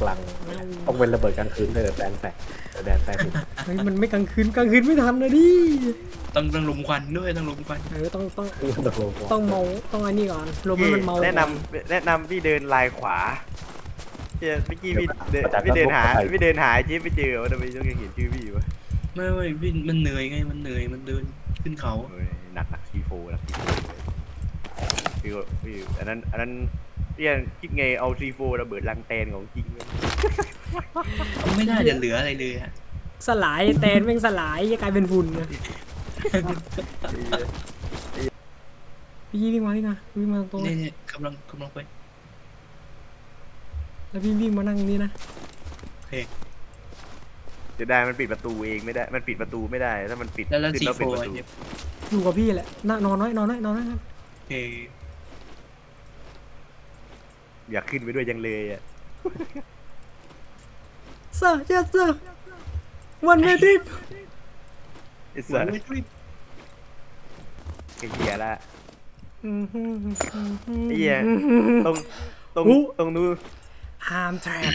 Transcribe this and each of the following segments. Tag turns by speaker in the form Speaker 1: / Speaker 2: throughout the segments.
Speaker 1: กลางต้องเป็นระเบิดกลางคืนเลยแต่แดนแตกถึง
Speaker 2: เฮ้ยมันไม่กลางคืนไม่ทันนะดิ
Speaker 3: ต้องลุมควันด้วยต้องลุมควัน
Speaker 2: ต้องเมาต้องอันนี้ก่อนลมให้มันเมา
Speaker 4: แนะนำพี่เดินลายขวาเมื่อกี้พี่เดินหาจิ๊บไปเจอว่าทำไมต้องยังเห็นชื่อพี่วะ
Speaker 3: ไม่พี่มันเหนื่อยไงมันเหนื่อยมันเดินขึ้นเขา
Speaker 4: หนักทีโฟพี่อันนั้นพี่คิดไงเอาทีโฟระเบิดลังแตนของจริง
Speaker 3: ไม่น่าจะเหลืออะไรเลยอะ
Speaker 2: สลายแตนแม่งสลายจะกลายเป็นฝุ่นนะพี่วิ่งมาตรง
Speaker 3: เนี่ยกำลังไป
Speaker 2: แล้วพี่วิ่งมานั่งนี่นะ
Speaker 3: โอเค
Speaker 4: จะได้มันปิดประตูเองไม่ได้มันปิดประตูไม่ได้ถ้ามันปิด
Speaker 3: แล้วซี
Speaker 4: ขึ้น
Speaker 3: โฟ
Speaker 4: เป็นประตู
Speaker 3: เนี่ย
Speaker 2: อยู่กับพี่แหละนอนน้อยครับ
Speaker 3: โอเค
Speaker 4: อยากขึ้นไปด้วยยังเลยอ่ะ
Speaker 2: เซอร์เซอร์วันเวที
Speaker 4: ไอ้สัสไอ้เหี้ยละไอ้เหี้ยตรงนู้น
Speaker 2: ฮามแทรป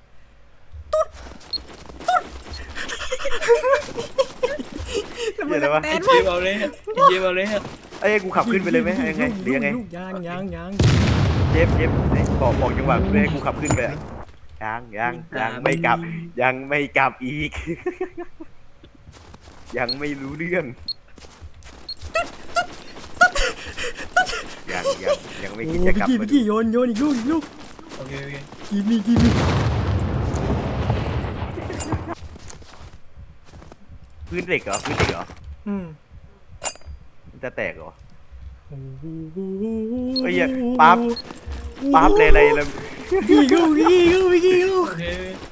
Speaker 2: ตุ๊ด
Speaker 4: เหี้ยอะไรวะ
Speaker 2: แตน
Speaker 3: เย็บเอาเลยเย็บเอาเลย
Speaker 4: ไอ้กูขับขึ้นไปเลยไหมยังไงหรือยังไง
Speaker 2: ยัง
Speaker 4: เจ็บบอกจังหวะให้กูขับขึ้นไปอะยังไม่กลับอีก ยังไม่รู้เรื่องยังไม่คิดจะกลับ
Speaker 2: พี่กี้โยนอีกลูก
Speaker 3: โอเค
Speaker 2: กีบี
Speaker 4: พื้นเหล็กเหรอมันจะแตกเหรอเฮ้ยปั๊บเลยอะไรเลย
Speaker 2: พี่กู
Speaker 3: โอเค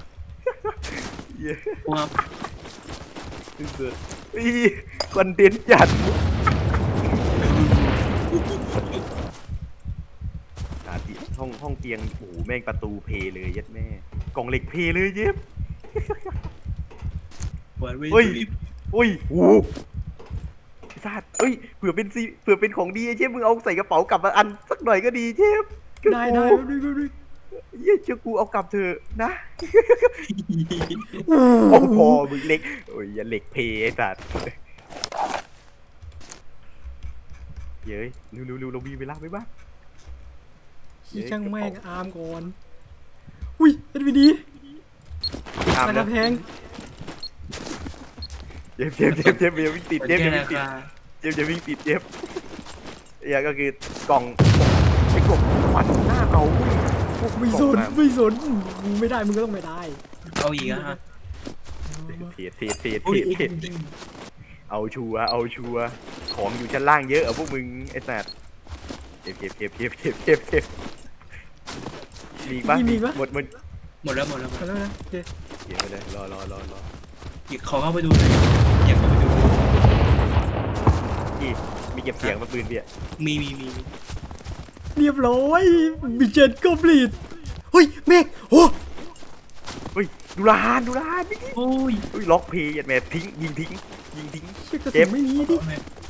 Speaker 3: ว้าว
Speaker 4: คอนเทนต์จัดห้องเตียงโอ้โหแม่งประตูเพเลยยัดแม่กล่องเหล็กเพเลยเย็บ
Speaker 3: วันวิ
Speaker 4: โอ้ยโอ้สัตว์เผื่อเป็นของดีไอ้เชฟมึงเอาใส่กระเป๋ากลับมาอันสักหน่อยก็ดีเชฟ
Speaker 2: ได้ดู
Speaker 4: เย้เจ้ากูเอากลับเถอะนะโอ้พอมึงเล็กโอ้ยอย่าเหล็กเพไอ้สัตว์เย้ยเร็วเรามีเวลาไหมบ้าง
Speaker 2: ช่างแม่งอาร์มก่อนอุ้ยเอ็ดวีดีราคาแพง
Speaker 4: เจ็บอย่าวิ่งติดเจ็บอย่าวิ่งติดเจ็บอย่าก็คือกล่องไอ้กล่องมันหน้าเอา
Speaker 2: ไม่สนไม่ได้มึงก็ต้องไม่ได้
Speaker 3: เอาอีกอะฮะ
Speaker 4: เทเอาชัวของอยู่ชั้นล่างเยอะพวกมึงไอ้สัตว์เจ็บมีปะหมด
Speaker 3: หมดแล้ว
Speaker 2: แล้วนะโอเค
Speaker 4: เก็บไปเลยรอ
Speaker 3: ขอเข้าไปดูหน่อยอยากเข้าไปดู
Speaker 4: มีเก็บเสียงมาปืนพี่อ่ะ
Speaker 3: มี
Speaker 2: เรียบร้อยบิเจนก็ปลีดเฮ้ยเมฆโอ้
Speaker 4: เฮ้ยดูร้านนี่
Speaker 3: โอ้ย
Speaker 4: ล็อกเพย์ยัดแม่ทิ้งยิงทิ้ง
Speaker 2: เจ็บไม่มีดิ